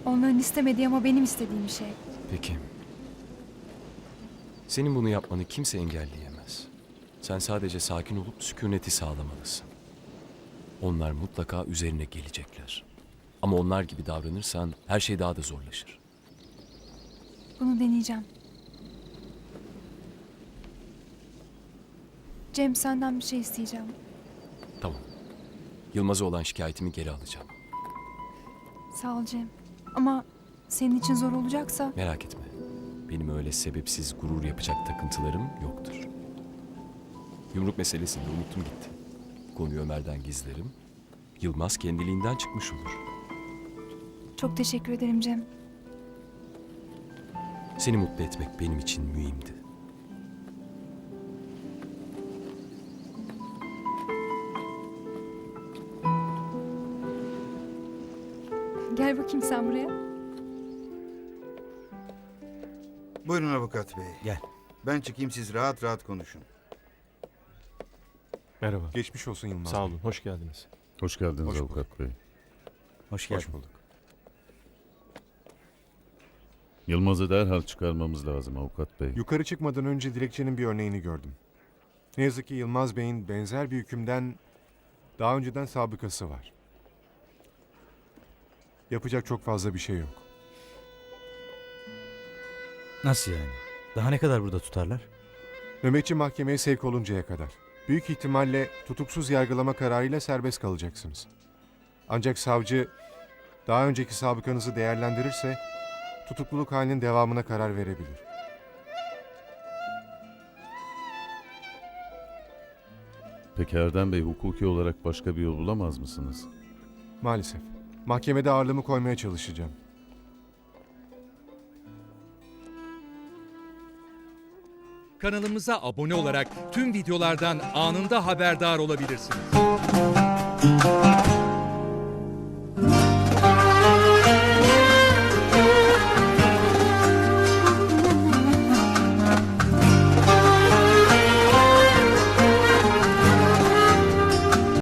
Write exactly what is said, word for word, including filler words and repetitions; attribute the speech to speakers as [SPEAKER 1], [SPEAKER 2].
[SPEAKER 1] Onların istemediği ama benim istediğim bir şey.
[SPEAKER 2] Peki. Senin bunu yapmanı kimse engelleyemez. Sen sadece sakin olup sükuneti sağlamalısın. Onlar mutlaka üzerine gelecekler. Ama onlar gibi davranırsan her şey daha da zorlaşır.
[SPEAKER 1] Bunu deneyeceğim. Cem, senden bir şey isteyeceğim.
[SPEAKER 2] Tamam. Yılmaz'a olan şikayetimi geri alacağım.
[SPEAKER 1] Sağ ol Cem. Ama senin için zor olacaksa...
[SPEAKER 2] Merak etme. Benim öyle sebepsiz gurur yapacak takıntılarım yoktur. Yumruk meselesini de unuttum gitti. Konuyu Ömer'den gizlerim. Yılmaz kendiliğinden çıkmış olur.
[SPEAKER 1] Çok teşekkür ederim Cem.
[SPEAKER 2] Seni mutlu etmek benim için mühimdi.
[SPEAKER 1] Gel bakayım sen buraya.
[SPEAKER 3] Buyurun avukat bey.
[SPEAKER 4] Gel.
[SPEAKER 3] Ben çıkayım, siz rahat rahat konuşun.
[SPEAKER 5] Merhaba. Geçmiş olsun Yılmaz
[SPEAKER 6] Sağ
[SPEAKER 5] Bey.
[SPEAKER 6] olun, hoş geldiniz.
[SPEAKER 7] Hoş geldiniz
[SPEAKER 5] Hoş
[SPEAKER 7] avukat bey.
[SPEAKER 4] Hoş geldin.
[SPEAKER 5] Hoş bulduk.
[SPEAKER 7] Yılmaz'ı derhal çıkarmamız lazım avukat bey.
[SPEAKER 5] Yukarı çıkmadan önce dilekçenin bir örneğini gördüm. Ne yazık ki Yılmaz Bey'in benzer bir hükümden daha önceden sabıkası var. Yapacak çok fazla bir şey yok.
[SPEAKER 4] Nasıl yani? Daha ne kadar burada tutarlar?
[SPEAKER 5] Nöbetçi mahkemeye sevk oluncaya kadar. Büyük ihtimalle tutuksuz yargılama kararıyla serbest kalacaksınız. Ancak savcı daha önceki sabıkanızı değerlendirirse tutukluluk halinin devamına karar verebilir.
[SPEAKER 7] Peki Erdem Bey, hukuki olarak başka bir yol bulamaz mısınız?
[SPEAKER 5] Maalesef. Mahkemede ağırlığımı koymaya çalışacağım.
[SPEAKER 8] Kanalımıza abone olarak tüm videolardan anında haberdar olabilirsiniz.